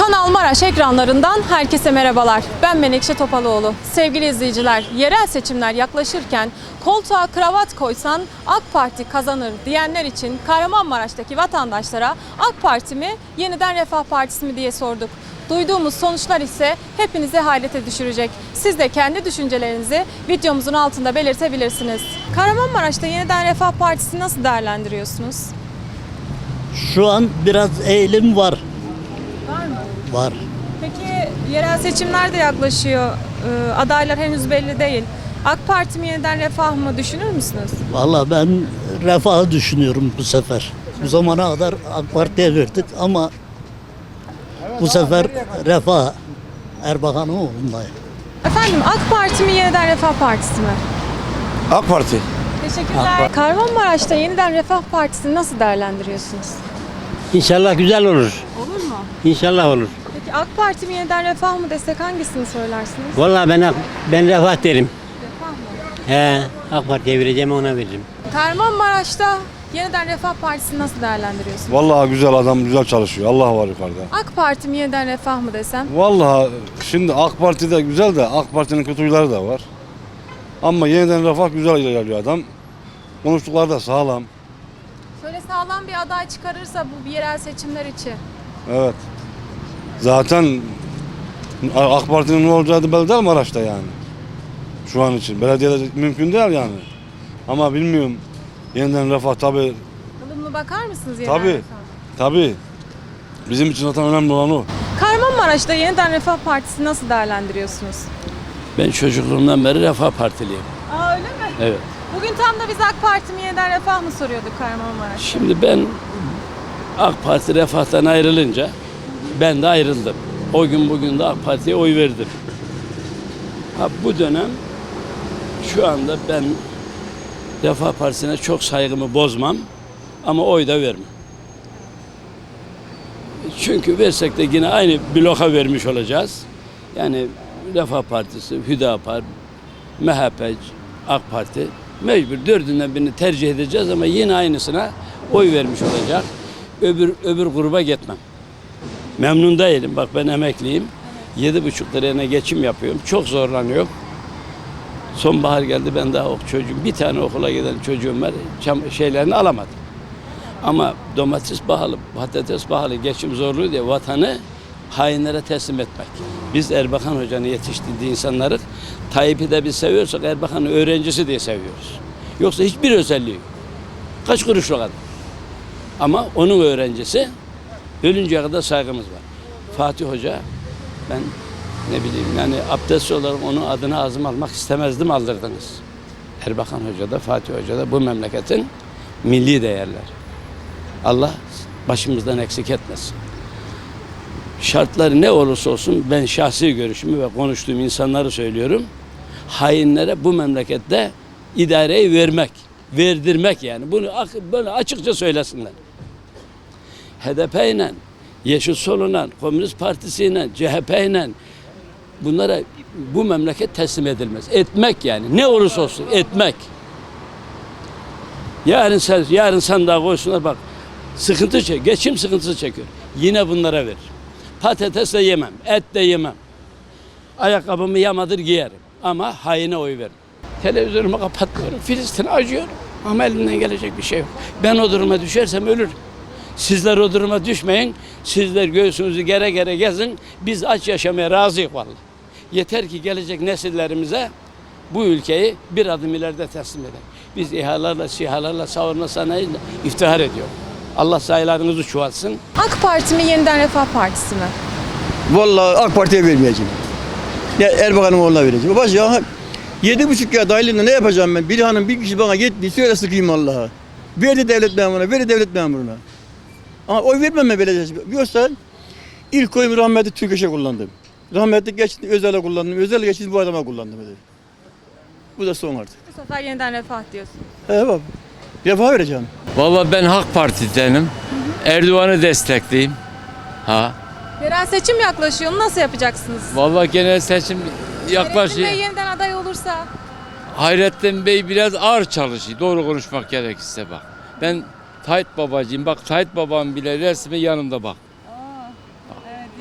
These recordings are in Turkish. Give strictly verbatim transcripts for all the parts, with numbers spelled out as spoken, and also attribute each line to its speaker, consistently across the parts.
Speaker 1: Kanal Maraş ekranlarından herkese merhabalar. Ben Menekşe Topaloğlu. Sevgili izleyiciler, yerel seçimler yaklaşırken koltuğa kravat koysan AK Parti kazanır diyenler için Kahramanmaraş'taki vatandaşlara AK Parti mi, yeniden Refah Partisi mi diye sorduk. Duyduğumuz sonuçlar ise hepinizi hayrete düşürecek. Siz de kendi düşüncelerinizi videomuzun altında belirtebilirsiniz. Kahramanmaraş'ta yeniden Refah Partisi nasıl değerlendiriyorsunuz?
Speaker 2: Şu an biraz eğilim var.
Speaker 1: Var mı?
Speaker 2: Var.
Speaker 1: Peki yerel seçimler de yaklaşıyor. Ee, adaylar henüz belli değil. AK Parti mi, yeniden Refah mı düşünür müsünüz?
Speaker 2: Vallahi ben refahı düşünüyorum bu sefer. Bu zamana kadar AK Parti'ye verdik ama bu sefer refah Erbakan'ın oğlundayım.
Speaker 1: Efendim, AK Parti mi, yeniden Refah Partisi mi?
Speaker 3: AK Parti.
Speaker 1: Teşekkürler. Kahramanmaraş'ta yeniden Refah Partisi'ni nasıl değerlendiriyorsunuz?
Speaker 4: İnşallah güzel olur.
Speaker 1: Olur mu?
Speaker 4: İnşallah olur.
Speaker 1: Peki AK Parti mi, yeniden Refah mı desek hangisini söylersiniz?
Speaker 4: Vallahi ben ben refah derim.
Speaker 1: Refah mı?
Speaker 4: He, AK Parti'ye vereceğim, ona veririm.
Speaker 1: Kahramanmaraş'ta yeniden Refah Partisi'ni nasıl değerlendiriyorsunuz?
Speaker 3: Vallahi güzel adam, güzel çalışıyor. Allah var yukarıda.
Speaker 1: AK Parti mi, yeniden Refah mı desem?
Speaker 3: Vallahi şimdi AK Parti de güzel de AK Parti'nin kötü huyları da var. Ama yeniden refah güzel ilerliyor adam. Konuştukları da sağlam.
Speaker 1: Şöyle sağlam bir aday çıkarırsa bu yerel seçimler için.
Speaker 3: Evet. Zaten AK Parti'nin ne olacağı da belli değil Maraş'ta yani. Şu an için. Belediyede mümkün değil yani. Ama bilmiyorum. Yeniden refah tabii.
Speaker 1: Ilımlı bakar mısınız yeniden
Speaker 3: Tabii.
Speaker 1: Refah?
Speaker 3: Tabii. Bizim için zaten önemli olan o.
Speaker 1: Kahramanmaraş'ta yeniden Refah Partisi nasıl değerlendiriyorsunuz?
Speaker 5: Ben çocukluğumdan beri Refah Partiliyim.
Speaker 1: Aa, öyle mi?
Speaker 5: Evet.
Speaker 1: Bugün tam da biz AK Parti mi, yeniden Refah mı soruyorduk Kahramanmaraş'ta.
Speaker 5: Şimdi ben AK Parti Refah'tan ayrılınca ben de ayrıldım. O gün bugün de AK Parti'ye oy verdim. Ha, bu dönem şu anda ben Refah Partisi'ne çok saygımı bozmam ama oy da vermem. Çünkü versek de yine aynı bloka vermiş olacağız. Yani Refah Partisi, Hüdapar, M H P, AK Parti mecbur dördünden birini tercih edeceğiz ama yine aynısına oy vermiş olacak. Öbür öbür gruba gitmem. Memnun değilim. Bak ben emekliyim. Yedi buçuk liraya geçim yapıyorum. Çok zorlanıyorum. Sonbahar geldi, ben daha ok çocuğum. Bir tane okula giden çocuğum var. Çam, şeylerini alamadım. Ama domates pahalı, patates pahalı, geçim zorluğu diye vatanı hainlere teslim etmek. Biz Erbakan Hoca'nın yetiştirdiği insanları Tayyip'i de biz seviyorsak Erbakan'ın öğrencisi diye seviyoruz. Yoksa hiçbir özelliği yok. Kaç kuruşluk adam. Ama onun öğrencisi, ölünceye kadar saygımız var. Fatih Hoca, ben ne bileyim yani abdest olarak onun adını ağzıma almak istemezdim, aldırdınız. Erbakan Hoca da Fatih Hoca da bu memleketin milli değerler. Allah başımızdan eksik etmesin. Şartları ne olursa olsun ben şahsi görüşümü ve konuştuğum insanları söylüyorum. Hainlere bu memlekette idareyi vermek, verdirmek yani. Bunu böyle açıkça söylesinler. H D P ile, Yeşil Sol'la, Komünist Partisi ile, C H P ile bunlara bu memleket teslim edilmez. Etmek yani. Ne olursa olsun etmek. Yarın sen, yarın sandığa koysunlar bak. Sıkıntı çek, geçim sıkıntısı çekiyor. Yine bunlara verir. Patates de yemem, et de yemem. Ayakkabımı yamadır giyerim. Ama haine oy veririm. Televizyonumu kapatmıyorum, Filistin'e acıyorum. Ama elimden gelecek bir şey yok. Ben o duruma düşersem ölürüm. Sizler o duruma düşmeyin. Sizler göğsünüzü gere gere gezin. Biz aç yaşamaya razıyız vallahi. Yeter ki gelecek nesillerimize bu ülkeyi bir adım ileride teslim edelim. Biz İHA'larla, SİHA'larla, savunma sanayiyle iftihar ediyoruz. Allah sayılarınızı çoğaltsın.
Speaker 1: AK Parti mi, yeniden Refah Partisi mi?
Speaker 6: Vallahi AK Parti'ye vermeyeceğim. Ya Erbakan'ın oğluna vereceğim. Baş ya yedi buçuk ya dahilimle ne yapacağım ben? Bir hanım bir kişi bana gitti söyle sıkayım Allah'a. Verdi devlet memuruna, verdi devlet memuruna. Ama oy vermem ben belediye. Yoksa ilk oyumu rahmetli Türkeş'e kullandım. Rahmetli geçti Özel'e kullandım. Özel geçti bu adama kullandım. Dedi. Bu da son artık.
Speaker 1: Bu sefer yeniden Refah diyorsun.
Speaker 6: He baba. Refah vereceğim.
Speaker 7: Vallahi ben Halk Parti'denim. Erdoğan'ı destekleyeyim. Ha.
Speaker 1: Yerel seçim yaklaşıyor. Nasıl yapacaksınız?
Speaker 7: Vallahi genel seçim
Speaker 1: Hayrettin
Speaker 7: yaklaşıyor.
Speaker 1: Bey yeniden aday olursa?
Speaker 7: Hayrettin Bey biraz ağır çalışıyor. Doğru konuşmak gerekirse bak. Ben Tayyip babacıyım. Bak Tayyip babam bile resmi yanımda bak.
Speaker 1: Aa, evet,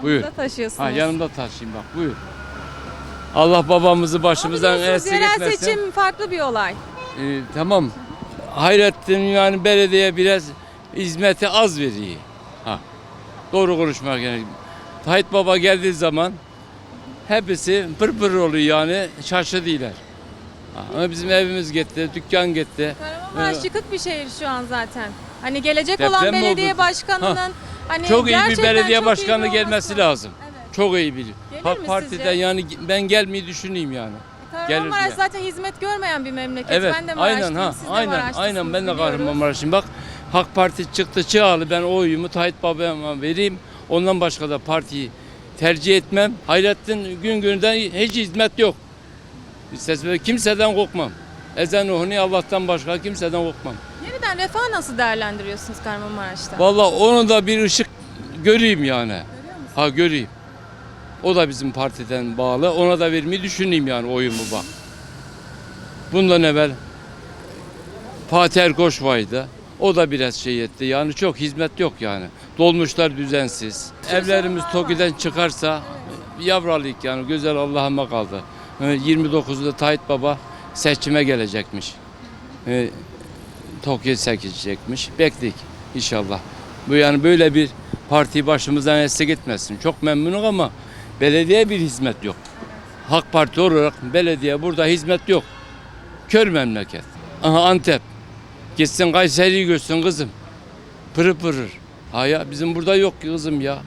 Speaker 5: Buyur.
Speaker 1: taşıyorsunuz.
Speaker 5: Ha, yanımda taşıyayım bak buyur. Allah babamızı başımızdan
Speaker 1: Biliyorsunuz,
Speaker 5: eksik
Speaker 1: yerel
Speaker 5: etmesin.
Speaker 1: seçim farklı bir olay.
Speaker 5: Ee, tamam. Hayrettin yani belediye biraz hizmeti az veriyor. Ha. Doğru konuşmak gerekiyor. Tayyip Baba geldiği zaman hepsi pır pır oluyor yani şaşırdılar. Ha, ama bizim evimiz gitti, dükkan gitti.
Speaker 1: Kahramanmaraş
Speaker 5: Evet.
Speaker 1: yıkık bir şehir şu an zaten. Hani gelecek
Speaker 5: Deprem
Speaker 1: olan
Speaker 5: mi
Speaker 1: belediye
Speaker 5: oldu?
Speaker 1: başkanının
Speaker 5: Ha.
Speaker 1: hani
Speaker 5: Çok iyi bir
Speaker 1: gerçekten
Speaker 5: belediye
Speaker 1: çok iyi
Speaker 5: başkanı
Speaker 1: bir
Speaker 5: gelmesi
Speaker 1: olması
Speaker 5: lazım.
Speaker 1: Evet.
Speaker 5: Çok iyi biliyor.
Speaker 1: Gelir
Speaker 5: Halk
Speaker 1: mi
Speaker 5: Parti'den
Speaker 1: sizce?
Speaker 5: yani ben gelmeyi düşüneyim yani.
Speaker 1: Kahramanmaraş
Speaker 5: diye.
Speaker 1: zaten hizmet görmeyen bir memleket.
Speaker 5: Evet,
Speaker 1: Ben de
Speaker 5: aynen
Speaker 1: Maraşlıyım,
Speaker 5: ha,
Speaker 1: siz de
Speaker 5: aynen,
Speaker 1: Maraşlısınız,
Speaker 5: aynen ben de
Speaker 1: biliyoruz.
Speaker 5: Kahramanmaraş'ım. Bak Halk Parti çıktı çağlı ben o oyumu Tayyip Baba'ya vereyim. Ondan başka da partiyi tercih etmem. Hayrettin gün günden hiç hizmet yok. İstesem kimseden korkmam. Ezan okunuyor Allah'tan başka kimseden korkmam.
Speaker 1: Yeniden refah nasıl değerlendiriyorsunuz Kahramanmaraş'ta?
Speaker 5: Vallahi onu da bir ışık göreyim yani. Ha göreyim. O da bizim partiden bağlı. Ona da vermeyi düşüneyim yani oyumu bak. Bundan evvel Fatih Erkoç vardı. O da biraz şey etti. Yani çok hizmet yok yani. Dolmuşlar düzensiz. Evlerimiz TOKİ'den çıkarsa yavralıyık yani. Güzel Allah'ıma kaldı. yirmi dokuzunda Tayyip Baba seçime gelecekmiş. Ee, TOKİ seçecekmiş. Bekledik inşallah. Bu yani böyle bir parti başımızdan eksik etmesin. Çok memnunum ama belediye bir hizmet yok. Halk Parti olarak belediye burada hizmet yok. Kör memleket. Aha Antep. Gitsin Kayseri'yi görsün kızım. Pırır pırır. Ha ya bizim burada yok ki kızım ya.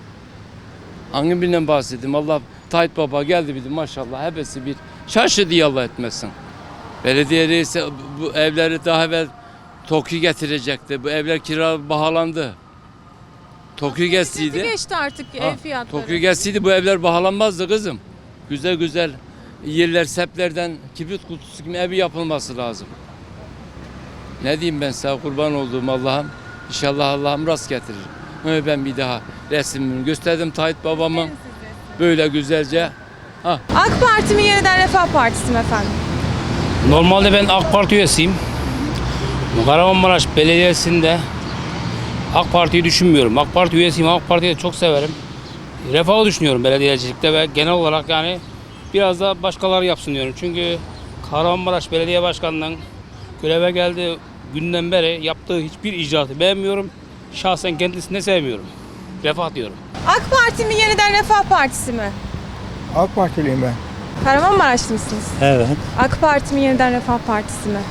Speaker 5: Hangi birinden bahsedeyim? Allah Tayyip Baba geldi bir de maşallah hepsi bir şaşı diye Allah etmesin. Belediye reisi bu evleri daha evvel TOKİ getirecekti. Bu evler kira bahalandı. TOKİ gelseydi.
Speaker 1: Geçti artık
Speaker 5: Ha,
Speaker 1: ev fiyatları.
Speaker 5: TOKİ gelseydi bu evler bahalanmazdı kızım. Güzel güzel yerler seplerden kibrit kutusu gibi evi yapılması lazım. Ne diyeyim ben sana kurban olduğum Allah'ım. İnşallah Allah'ım rast getirir. Öyle ben bir daha resmimi gösterdim Tayyip babamın. Böyle güzelce. Ha.
Speaker 1: AK Parti mi yeniden Refah Partisi mi efendim?
Speaker 8: Normalde ben AK Parti üyesiyim. Kahramanmaraş Belediyesi'nde AK Parti'yi düşünmüyorum. AK Parti üyesiyim, AK Parti'yi de çok severim. Refahı düşünüyorum belediyecilikte ve genel olarak yani biraz da başkaları yapsın diyorum. Çünkü Kahramanmaraş Belediye Başkanı'ndan göreve geldiği günden beri yaptığı hiçbir icraatı beğenmiyorum. Şahsen kendisini de sevmiyorum. Refah diyorum.
Speaker 1: AK Parti mi yeniden Refah Partisi mi?
Speaker 9: AK Partiliyim ben.
Speaker 1: Kahramanmaraşlı mısınız?
Speaker 9: Evet.
Speaker 1: AK Parti mi yeniden Refah Partisi mi?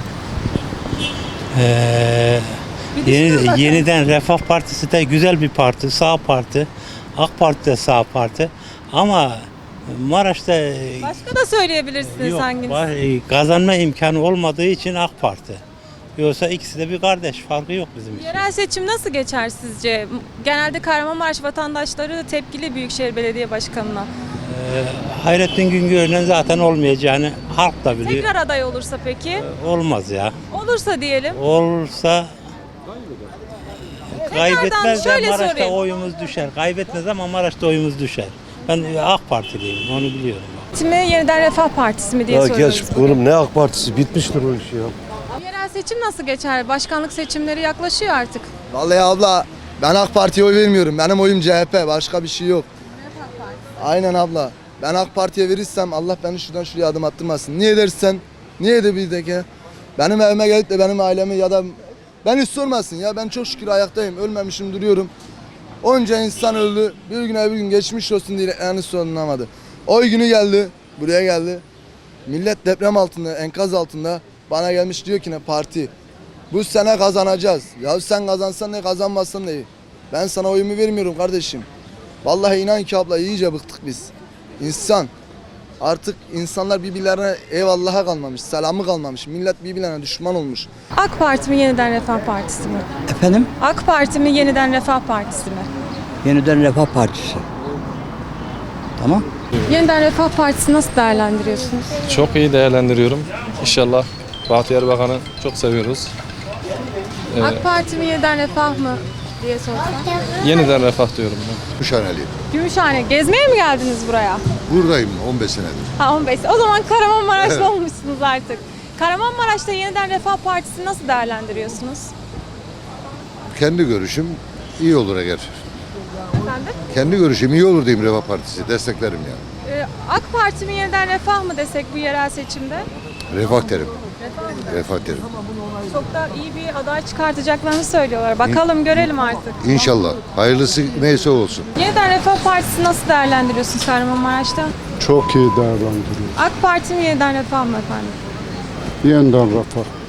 Speaker 9: Ee,
Speaker 1: Bir düşünün bakalım.
Speaker 9: yeni, yeniden Refah Partisi de güzel bir parti, sağ parti. AK Parti de sağ parti. Ama Maraş'ta
Speaker 1: Başka da söyleyebilirsiniz
Speaker 9: yok,
Speaker 1: hanginiz?
Speaker 9: var, e, kazanma imkanı olmadığı için AK Parti. Yoksa ikisi de bir kardeş, farkı yok bizim için.
Speaker 1: Yerel seçim nasıl geçer sizce? Genelde Kahramanmaraş vatandaşları tepkili Büyükşehir Belediye Başkanı'na.
Speaker 9: Ee, Hayrettin Güngör'le zaten olmayacağını halk da biliyor.
Speaker 1: Tekrar aday olursa peki?
Speaker 9: Olmaz ya.
Speaker 1: Olursa diyelim.
Speaker 9: Olursa kaybetmez de
Speaker 1: şöyle
Speaker 9: Maraş'ta
Speaker 1: sorayım.
Speaker 9: oyumuz düşer. Kaybetmez ama Maraş'ta oyumuz düşer. Ben AK Partiliyim, onu biliyorum.
Speaker 1: Parti mi yeniden Refah Partisi mi diye
Speaker 10: Ya
Speaker 1: soruyoruz.
Speaker 10: geç oğlum ne AK Partisi bitmiştir o iş ya.
Speaker 1: Yerel seçim nasıl geçer? Başkanlık seçimleri yaklaşıyor artık.
Speaker 11: Vallahi abla ben AK Parti'ye oy vermiyorum. Benim oyum C H P. Başka bir şey yok. Aynen abla. Ben AK Parti'ye verirsem Allah beni şuradan şuraya adım attırmasın. Niye dersen? Niye de bir de ki? Benim evime gelip de benim ailemi ya da beni hiç sormasın ya. Ben çok şükür ayaktayım. Ölmemişim duruyorum. Onca insan öldü. Bir gün bir gün geçmiş olsun diye yani sorulamadı. Oy günü geldi. Buraya geldi. Millet deprem altında, enkaz altında. Bana gelmiş diyor ki ne parti. Bu sene kazanacağız. Ya sen kazansan ne kazanmazsan ne? Ben sana oyumu vermiyorum kardeşim. Vallahi inan ki abla iyice bıktık biz. İnsan. Artık insanlar birbirlerine eyvallaha kalmamış, selamı kalmamış. Millet birbirlerine düşman olmuş.
Speaker 1: AK Parti mi yeniden Refah Partisi mi?
Speaker 12: Efendim?
Speaker 1: AK Parti mi yeniden Refah Partisi mi?
Speaker 12: Yeniden Refah Partisi. Tamam.
Speaker 1: Yeniden Refah Partisi nasıl değerlendiriyorsunuz?
Speaker 13: Çok iyi değerlendiriyorum. İnşallah Fatih Erbakan'ı çok seviyoruz. Ee,
Speaker 1: AK Parti mi yeniden Refah mı diye sorsam.
Speaker 13: yeniden refah diyorum ben.
Speaker 10: Gümüşhaneliyim.
Speaker 1: Gümüşhane. Gezmeye mi geldiniz buraya?
Speaker 10: Buradayım on beş senedir.
Speaker 1: Ha on beş. O zaman Kahramanmaraşlı olmuşsunuz artık. Kahramanmaraş'ta yeniden Refah Partisi nasıl değerlendiriyorsunuz?
Speaker 10: Kendi görüşüm iyi olur eğer.
Speaker 1: Efendim efendim?
Speaker 10: Kendi görüşüm iyi olur diyeyim Refah Partisi. Desteklerim yani.
Speaker 1: Ee, AK Parti mi yeniden Refah mı desek bu yerel seçimde?
Speaker 10: Refah derim.
Speaker 1: Refah mı?
Speaker 10: Refah derim.
Speaker 1: Çok da iyi bir aday çıkartacaklarını söylüyorlar. Bakalım görelim artık.
Speaker 10: İnşallah. Hayırlısı neyse olsun.
Speaker 1: Yeniden Refah Partisi nasıl değerlendiriyorsunuz Kahramanmaraş'ta?
Speaker 14: Çok iyi değerlendiriyor.
Speaker 1: AK Parti mi yeniden Refah mı efendim?
Speaker 14: Yeniden Refah.